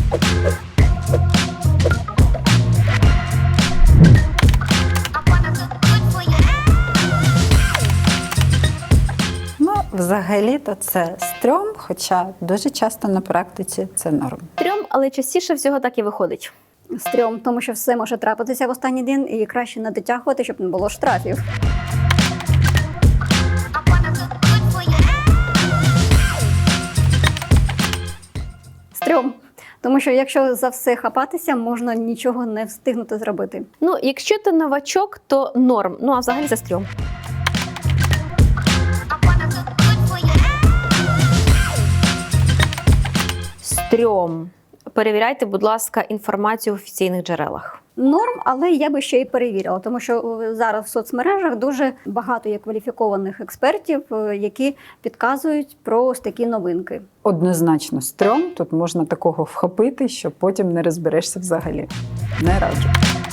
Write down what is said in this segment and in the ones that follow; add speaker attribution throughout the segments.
Speaker 1: Взагалі-то це стрьом, хоча дуже часто на практиці це норм.
Speaker 2: Стрьом, але частіше всього так і виходить.
Speaker 3: Стрьом, тому що все може трапитися в останній день і краще не дотягувати, щоб не було штрафів. Стрьом. Тому що якщо за все хапатися, можна нічого не встигнути зробити.
Speaker 2: Ну, якщо ти новачок, то норм. Ну, а взагалі це стрьом. Стрьом. Перевіряйте, будь ласка, інформацію в офіційних джерелах.
Speaker 3: Норм, але я би ще й перевірила, тому що зараз в соцмережах дуже багато є кваліфікованих експертів, які підказують про ось такі новинки.
Speaker 1: Однозначно стрьом, тут можна такого вхопити, що потім не розберешся взагалі. Не раджу.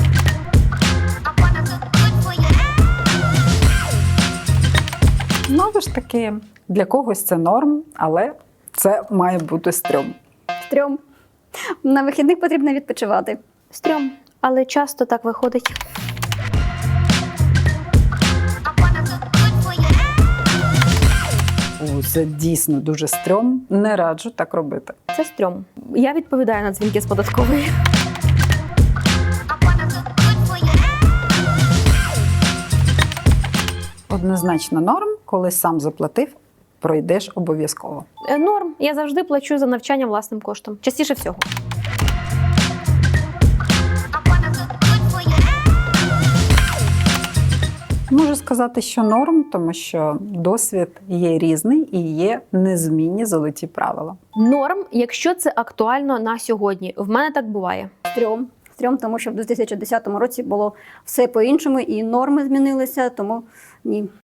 Speaker 1: Знову ж таки, для когось це норм, але це має бути стрьом.
Speaker 3: Стрьом. На вихідних потрібно відпочивати.
Speaker 2: Стрьом, але часто так виходить.
Speaker 1: Це дійсно дуже стрьом. Не раджу так робити.
Speaker 2: Це стрьом. Я відповідаю на дзвінки з податкової.
Speaker 1: Однозначно норм, коли сам заплатив, пройдеш обов'язково.
Speaker 2: Норм. Я завжди плачу за навчання власним коштом. Частіше всього.
Speaker 1: Можу сказати, що норм, тому що досвід є різний і є незмінні золоті правила.
Speaker 2: Норм, якщо це актуально на сьогодні. В мене так буває.
Speaker 3: Стрьом. Стрьом, тому що в 2010 році було все по-іншому, і норми змінилися, тому ні.